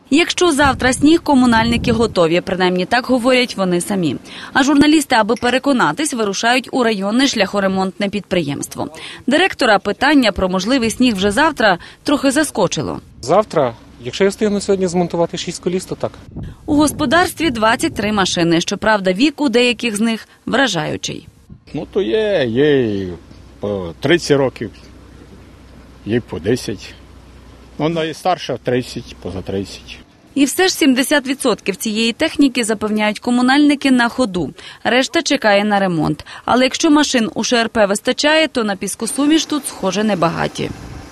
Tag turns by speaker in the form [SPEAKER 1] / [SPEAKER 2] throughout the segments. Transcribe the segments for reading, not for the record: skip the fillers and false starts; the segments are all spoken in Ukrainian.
[SPEAKER 1] Якщо завтра сніг, комунальники готові. Принаймні так говорять вони самі. А журналісти, аби переконатись, вирушають у районне шляхоремонтне підприємство. Директора питання про можливий сніг вже завтра трохи заскочило.
[SPEAKER 2] Завтра, якщо я встигну сьогодні змонтувати 6 коліс, то так.
[SPEAKER 1] У господарстві 23 машини. Щоправда, вік у деяких з них вражаючий.
[SPEAKER 3] Ну, то є по 30 років, є по 10. Ну, найстарша 30, поза 30.
[SPEAKER 1] І все ж 70% цієї техніки, запевняють комунальники, на ходу. Решта чекає на ремонт. Але якщо машин у ШРП вистачає, то на піскосуміш тут, схоже, небагаті.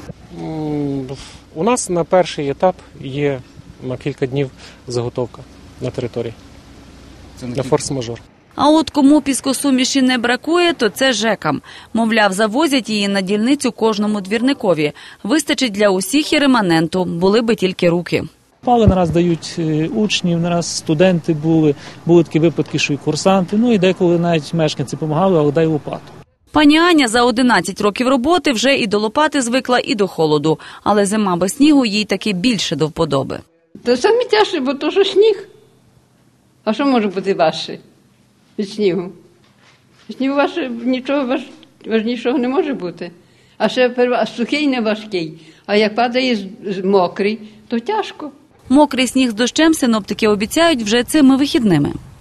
[SPEAKER 2] У нас на перший етап є на кілька днів заготовка на території. На форс-мажор.
[SPEAKER 1] А от кому піскосуміші не бракує, то це ЖЕКам. Мовляв, завозять її на дільницю кожному двірникові. Вистачить для усіх і реманенту, були би тільки руки.
[SPEAKER 4] Пали нараз дають учнів, нараз студенти були такі випадки, що і курсанти, ну і деколи навіть мешканці допомагали, але дай лопату.
[SPEAKER 1] Пані Аня за 11 років роботи вже і до лопати звикла, і до холоду. Але зима без снігу їй таки більше до вподоби.
[SPEAKER 5] Це саме тяжче, бо то, що сніг. А що може бути важче від снігу? Снігу нічого важнішого не може бути. А ще сухий не важкий. А як падає мокрий, то тяжко.
[SPEAKER 1] Мокрий сніг з дощем синоптики обіцяють вже цими вихідними.